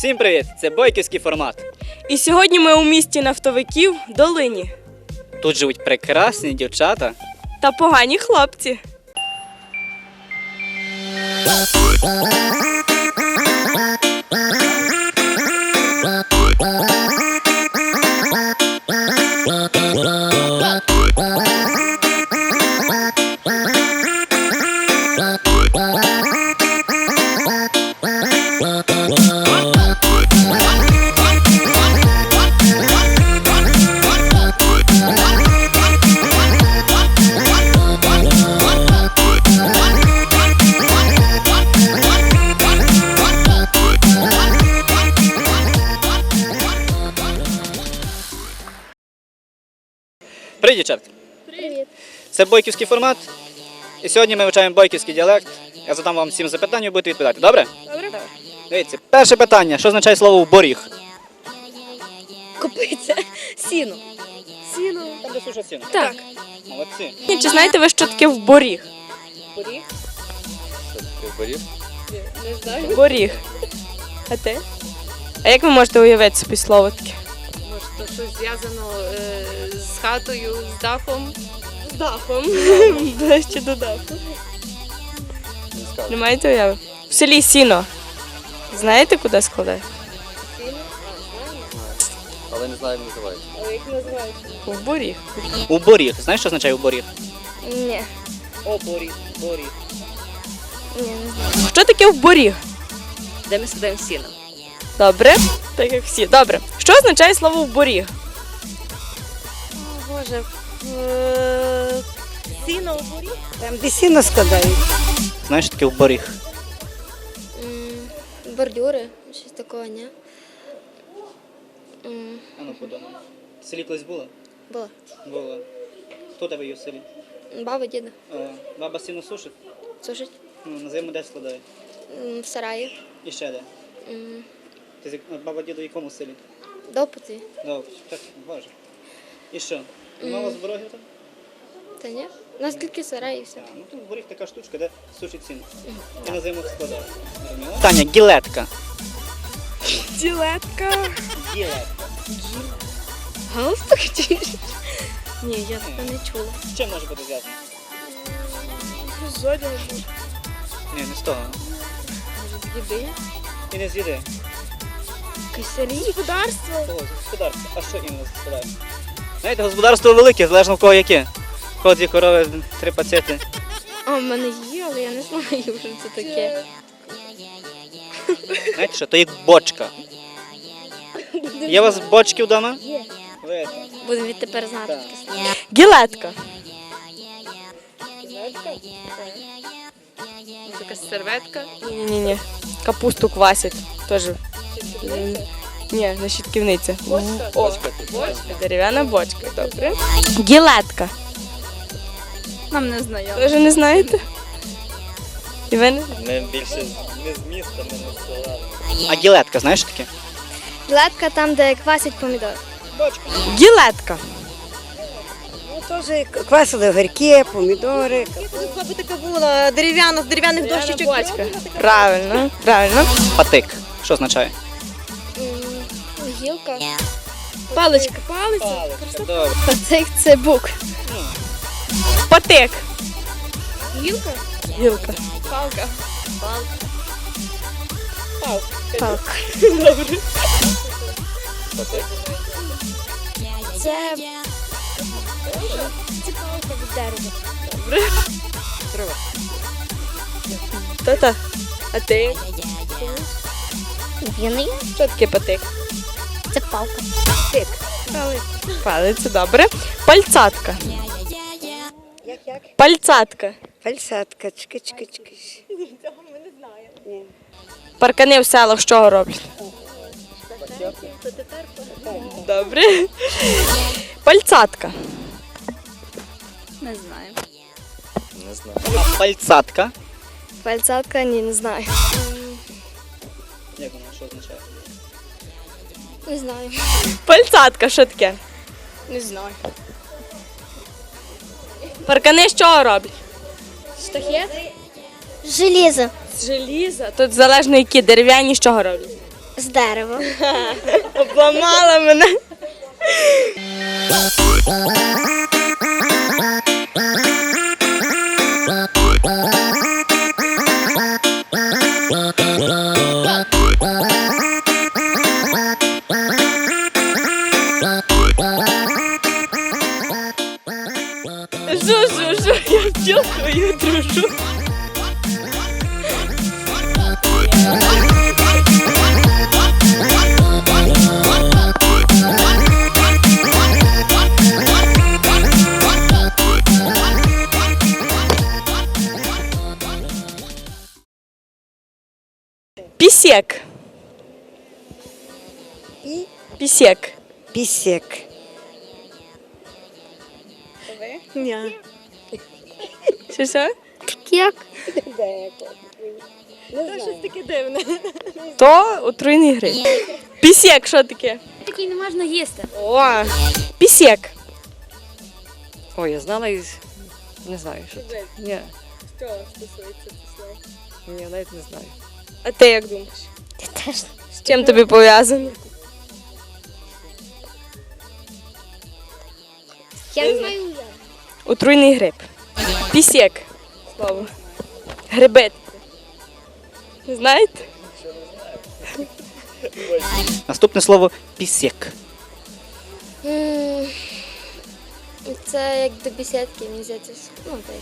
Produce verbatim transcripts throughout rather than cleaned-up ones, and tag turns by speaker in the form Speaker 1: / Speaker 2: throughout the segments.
Speaker 1: Всім привіт! Це бойківський формат.
Speaker 2: І сьогодні ми у місті нафтовиків Долині.
Speaker 1: Тут живуть прекрасні дівчата.
Speaker 2: Та погані хлопці.
Speaker 1: Привіт, дівчатки!
Speaker 3: Привіт.
Speaker 1: Це бойківський формат. І сьогодні ми вивчаємо бойківський діалект. Я задам вам сім запитань, ви будете відповідати. Добре?
Speaker 2: Добре?
Speaker 1: Дивіться, перше питання. Що означає слово «боріг»?
Speaker 3: Копиться. Сіно.
Speaker 2: Сіно.
Speaker 1: Там де сушать сіно.
Speaker 2: Так.
Speaker 1: Молодці.
Speaker 2: Чи знаєте ви, що таке вборіг?
Speaker 3: Поріг?
Speaker 1: Боріг?
Speaker 3: Не знаю.
Speaker 2: Боріг. А ти? А як ви можете уявити собі слово таке?
Speaker 3: Може, то щось зв'язано е, з хатою, з дахом.
Speaker 2: З дахом. Ближче до даху. Не маєте уяви? В селі сіно. Знаєте, куди складає?
Speaker 3: Сіно? А, знаю.
Speaker 1: Але не знаю, як називається.
Speaker 3: Але як називається?
Speaker 2: В боріг.
Speaker 1: У боріг. Знаєш, що означає у боріг?
Speaker 3: Ні.
Speaker 1: О, боріг, боріг.
Speaker 3: Ні, не знаю.
Speaker 2: Що таке в боріг?
Speaker 3: Де ми сідаємо сіно?
Speaker 2: Добре. Так як всі. Добре. Що означає слово в боріг?
Speaker 3: О, Боже. Сіно у боріг?
Speaker 4: Там, де сіно складають.
Speaker 1: Знаєш, що таке у боріг?
Speaker 5: Бордюри, щось такого, ні? М,
Speaker 1: А ну подумай. В селі колись було?
Speaker 5: Було.
Speaker 1: Було. Хто тебе є в селі?
Speaker 5: Баба, діда.
Speaker 1: Е, Баба сіно сушить?
Speaker 5: Сушить
Speaker 1: Ну, на зиму де складає?
Speaker 5: М, в сараї.
Speaker 1: І ще де?
Speaker 5: М,
Speaker 1: Ти з як- баба діду в якому селі?
Speaker 5: Допити.
Speaker 1: Добре, так, боже. І що? Мало з ворогів там?
Speaker 5: Та ні? У нас тільки сарай і все.
Speaker 1: А, ну тут боріг така штучка, де сушить сіно. І на зиму складає. Зрозуміло? Таня, гілетка.
Speaker 2: Ділетка.
Speaker 1: Гілетка.
Speaker 5: Галстук чи? Ні, я таке не чула.
Speaker 1: З чим може бути зв'язано?
Speaker 2: З одягу.
Speaker 1: Ні, не з того.
Speaker 5: Може, з їди?
Speaker 1: І не з їди.
Speaker 5: Кисарі?
Speaker 2: Господарство.
Speaker 1: Того, з господарства. А що іменно з господарства? Знаєте, господарство велике, залежно в кого яке. В кого дві корови, три пацети.
Speaker 5: А, в мене є, але я не знаю, що це таке.
Speaker 1: Знаєте що, то як бочка. Є у вас бочки вдома?
Speaker 5: Є.
Speaker 1: Ви.
Speaker 5: Будемо відтепер знати
Speaker 1: Так.
Speaker 5: таке слово.
Speaker 2: Гілетка.
Speaker 3: Така серветка.
Speaker 2: Ні-ні-ні. Капусту квасять. Теж. М, Ні, не щитківниця.
Speaker 3: Бочка.
Speaker 2: О,
Speaker 3: Бочка.
Speaker 2: дерев'яна бочка. Добре. Гілетка.
Speaker 3: Нам не знайомо.
Speaker 2: Ви вже не знаєте? І ви не?
Speaker 6: Ми більше не з міста, ми не з села.
Speaker 1: А гілетка, знаєш що таке?
Speaker 5: Гілетка там, де квасять помідор.
Speaker 2: Гілетка.
Speaker 4: Ну, теж квасили огірки, помідори.
Speaker 3: Баба така була дерев'яна, з дерев'яних дощечок.
Speaker 2: Бочка. Правильно, правильно.
Speaker 1: Патик. Що означає?
Speaker 5: М, Гілка.
Speaker 2: Паличка. Палиця.
Speaker 1: Добре.
Speaker 5: Пацик це бук.
Speaker 2: Патик.
Speaker 5: Гілка?
Speaker 2: Гілка.
Speaker 3: Палка.
Speaker 5: Палка.
Speaker 2: Добре.
Speaker 5: Це... Це палка від дерева.
Speaker 2: Та-та. А ти?
Speaker 5: Він є?
Speaker 2: Що таке патик?
Speaker 5: Це палка.
Speaker 2: Патик. Палиця. Палиця, добре. Пальцатка.
Speaker 4: Як, як?
Speaker 2: Пальцатка.
Speaker 4: Фальсатка, чки-чки-чки.
Speaker 2: Паркани в селах з чого роблять? Добре. Пальцатка.
Speaker 3: Не знаю.
Speaker 6: Не знаю.
Speaker 1: А пальцатка?
Speaker 5: Пальцатка? Ні, не знаю.
Speaker 1: Як вона, що означає?
Speaker 5: Не знаю.
Speaker 2: Пальцатка, що таке?
Speaker 5: Не знаю.
Speaker 2: Паркани з чого роблять?
Speaker 5: Штахет? Железо.
Speaker 2: З желіза. Тут залежно які, дерев'яні з чого роблять?
Speaker 5: З дерева.
Speaker 2: Обламала мене. Що, що, що, я втілкою дружу. Пісек.
Speaker 4: І
Speaker 2: Пісек.
Speaker 4: пісек.
Speaker 2: Ні. Що, що?
Speaker 5: Як?
Speaker 2: То отруйний гриб. Пісек, що таке?
Speaker 5: Такий не можна їсти.
Speaker 2: О, пісек.
Speaker 7: Ой, я знала і не знаю, що це. Ні,
Speaker 2: Що стосується після?
Speaker 7: ні, навіть не знаю.
Speaker 2: А ти як думаєш?
Speaker 5: Я теж.
Speaker 2: З чим тобі пов'язано?
Speaker 5: Я не знаю як.
Speaker 2: Отруйний гриб. Пісек. Слово. Грибет. Не знаєте?
Speaker 1: Наступне слово пісек.
Speaker 5: М, Це як до бесідки, мені здається. Ну, так.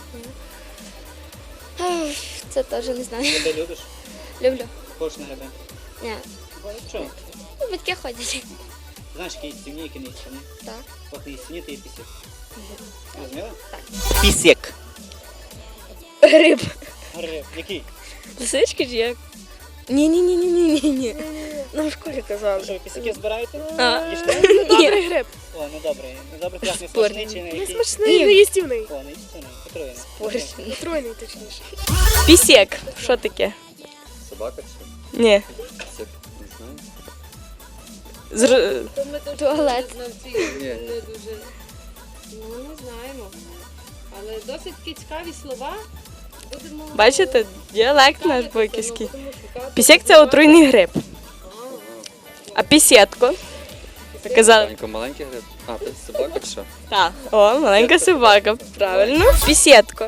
Speaker 5: Ах, Це теж не знаю.
Speaker 1: Ти любиш?
Speaker 5: Люблю.
Speaker 1: Хочеш на гриби?
Speaker 5: Ні.
Speaker 1: Чого?
Speaker 5: Ну, батьки ходять.
Speaker 1: Знаєш, які стівні, які не стівні?
Speaker 5: Так.
Speaker 1: От не стівні, то є пісек. Розуміла? Так. Пісек.
Speaker 2: Гриб.
Speaker 1: Гриб. Який?
Speaker 2: Лисички чи як? Ні, ні, ні, ні, ні, ні, ні. Нам в школі казали.
Speaker 1: Що, ви пісяки збираєте?
Speaker 2: А.
Speaker 1: Їжте?
Speaker 2: Добрий гриб.
Speaker 1: О, ну добре. Ну добре, красний
Speaker 2: Спорний.
Speaker 1: смачний чи не який?
Speaker 2: Смачний, не їстівний.
Speaker 1: О, не їстівний. Отруєний.
Speaker 2: Поршень.
Speaker 7: Тройний точніше.
Speaker 2: Пісек. Що таке?
Speaker 6: Собака чи?
Speaker 2: Ні.
Speaker 6: Це не знаю.
Speaker 2: Зр...
Speaker 5: Туалет.
Speaker 6: Ні.
Speaker 3: Не дуже. Ну, не знаємо. Але досить такі цікаві слова. Будемо
Speaker 2: Бачите, діалект наш
Speaker 3: шукати,
Speaker 2: бойківський.
Speaker 3: будемо шукати.
Speaker 2: Пісек це отруйний гриб. А пісетко? Ви казали.
Speaker 6: Маленько, маленький гриб. А, це собака чи що?
Speaker 2: Так. О, маленька собака. Правильно. Пісетко.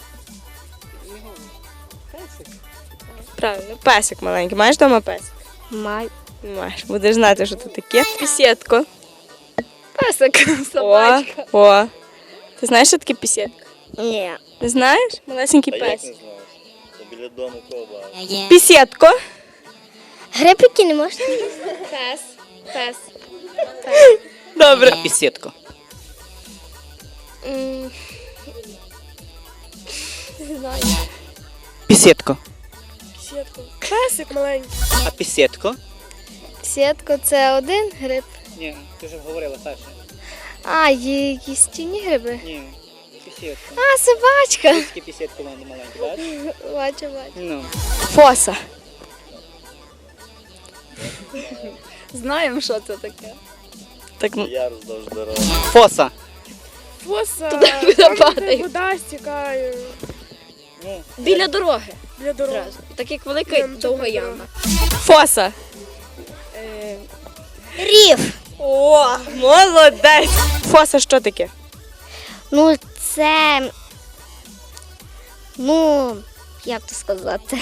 Speaker 2: Правильно, песик маленький. Маєш вдома песик?
Speaker 5: Май.
Speaker 2: Маєш. Будеш знати, що це таке. Пісетко.
Speaker 5: Песик.
Speaker 2: О, о. Ти знаєш, що таке пісетка?
Speaker 5: Ні.
Speaker 2: Не знаєш? Малесенький
Speaker 6: А як не
Speaker 2: песик.
Speaker 6: знаєш? Це біля дому кого багато.
Speaker 2: Пісетко.
Speaker 5: Грибики не можна їсти.
Speaker 3: Пес. Пес.
Speaker 2: Добре.
Speaker 1: Пісетко.
Speaker 5: М, Не знаю.
Speaker 1: Пісетко.
Speaker 2: Пісетко. Песик маленький.
Speaker 1: А пісетко?
Speaker 5: Сітко це один гриб.
Speaker 1: Ні, ти вже говорила, Саша.
Speaker 5: А, є їстівні гриби.
Speaker 1: Ні, пісетко.
Speaker 5: А, собачка.
Speaker 1: Такі пісетки вони маленькі, бачиш?
Speaker 5: Бачу, бачу.
Speaker 1: Ну.
Speaker 2: Фоса.
Speaker 7: Знаємо, що це таке.
Speaker 2: Так, ну,
Speaker 6: Я роздовж дороги.
Speaker 1: Фоса.
Speaker 7: Фоса,
Speaker 5: Туди
Speaker 7: там,
Speaker 5: вода
Speaker 7: де
Speaker 5: падає.
Speaker 7: вода стікає
Speaker 1: Ну,
Speaker 7: біля дороги. Біля дороги.
Speaker 5: Зразу. Так як велика
Speaker 7: Прям
Speaker 5: довга
Speaker 7: чудова
Speaker 5: яма.
Speaker 2: фоса.
Speaker 5: Рів.
Speaker 2: О, молодець. Фоса що таке?
Speaker 5: Ну, це. Ну, як то сказати?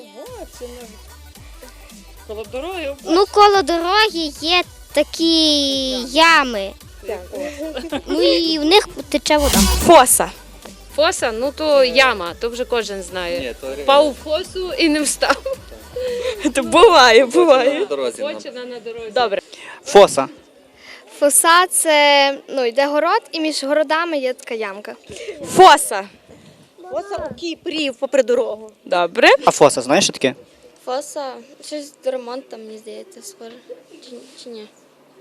Speaker 7: Коло дороги.
Speaker 5: Ну, коло дороги є такі ями. Ну і в них тече вода.
Speaker 2: Фоса.
Speaker 3: Фоса, ну то яма, то вже кожен знає.
Speaker 6: Ні, то
Speaker 3: Впав у фосу і не встав.
Speaker 2: Це буває,
Speaker 6: на
Speaker 2: буває.
Speaker 6: дорозі. нам.
Speaker 3: Почина на дорозі.
Speaker 2: Добре.
Speaker 1: Фоса.
Speaker 5: Фоса це ну, йде город, і між городами є така ямка.
Speaker 2: Фоса.
Speaker 7: Фоса у Кіпрів попри дорогу.
Speaker 2: Добре.
Speaker 1: А фоса, знаєш, що таке?
Speaker 5: Фоса, щось до ремонту, там, мені здається, схоже. Чи, чи ні?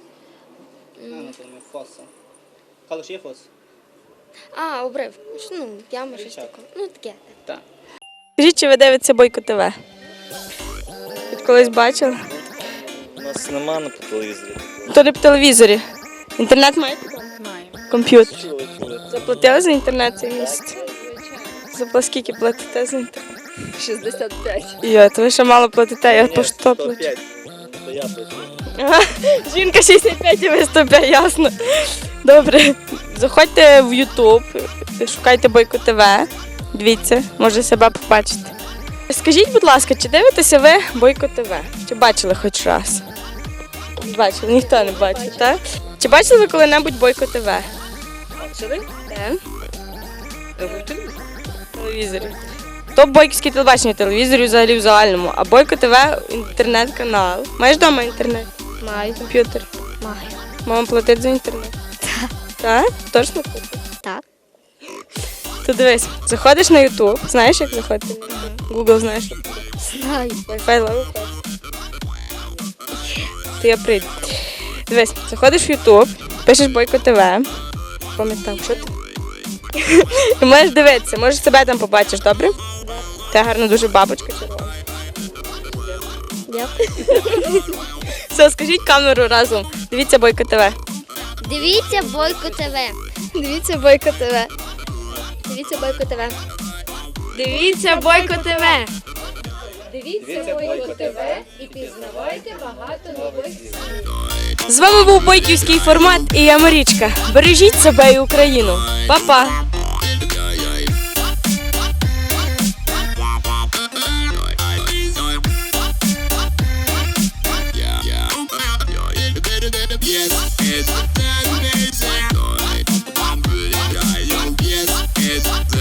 Speaker 1: Фоса. Калуш є фос?
Speaker 5: А, обрив. Ну, яма, щось
Speaker 1: Річак.
Speaker 5: таке. Ну, таке.
Speaker 1: Так.
Speaker 2: Скажіть, чи ви дивитеся Бойко ТВ? Від колись бачили?
Speaker 6: У нас нема на по телевізорі.
Speaker 2: То не по телевізорі. Інтернет маєте?
Speaker 7: Маємо.
Speaker 2: Комп'ютер.
Speaker 6: Чули, чули.
Speaker 2: Заплатили за інтернет цей місяць? За скільки платите за інтернет?
Speaker 7: шістдесят п'ять.
Speaker 2: Йо, то ви ще мало платите, я
Speaker 6: Ні,
Speaker 2: по що
Speaker 6: сто
Speaker 2: плачу.
Speaker 6: п'ять. Це я пишу.
Speaker 2: Ага, жінка шістдесят п'ять і ви сто п'ять, ясно. Добре. Заходьте в Ютуб, шукайте Бойко ТВ. Дивіться, може себе побачити. Скажіть, будь ласка, чи дивитеся ви Бойко ТВ? Чи бачили хоч раз? Бачили, ніхто не бачив, так? Чи бачили ви коли-небудь Бойко ТВ?
Speaker 7: Бачили?
Speaker 2: Де?
Speaker 7: В телевізорі.
Speaker 2: В телевізорі. То бойківське телебачення, телевізорі взагалі в загальному, а Бойко ТВ інтернет-канал. Маєш вдома інтернет?
Speaker 5: Маю.
Speaker 2: Комп'ютер?
Speaker 5: Маю.
Speaker 2: Мама платить за інтернет?
Speaker 5: Так.
Speaker 2: Так? Точно платить?
Speaker 5: Так.
Speaker 2: То дивись, заходиш на Ютуб, знаєш, як заходити? Google знаєш?
Speaker 5: Знаю.
Speaker 2: Wi-Fi ловить. То я прийду. Дивись, заходиш в Ютуб, пишеш Бойко ТВ. Пам'ятав, що ти? І можеш дивитися, можеш себе там побачиш, добре? Та гарна дуже бабочка червона.
Speaker 5: Дякую.
Speaker 2: Все, скажіть камеру разом. Дивіться Бойко ТВ.
Speaker 5: Дивіться Бойко ТВ. Дивіться Бойко ТВ. Дивіться Бойко ТВ.
Speaker 2: Дивіться Бойко ТВ.
Speaker 3: Дивіться Бойко ТВ і пізнавайте багато нових слів.
Speaker 2: З вами був бойківський формат і я Марічка. Бережіть себе і Україну. Па-па!
Speaker 8: Yes, it's the best. Yes, it's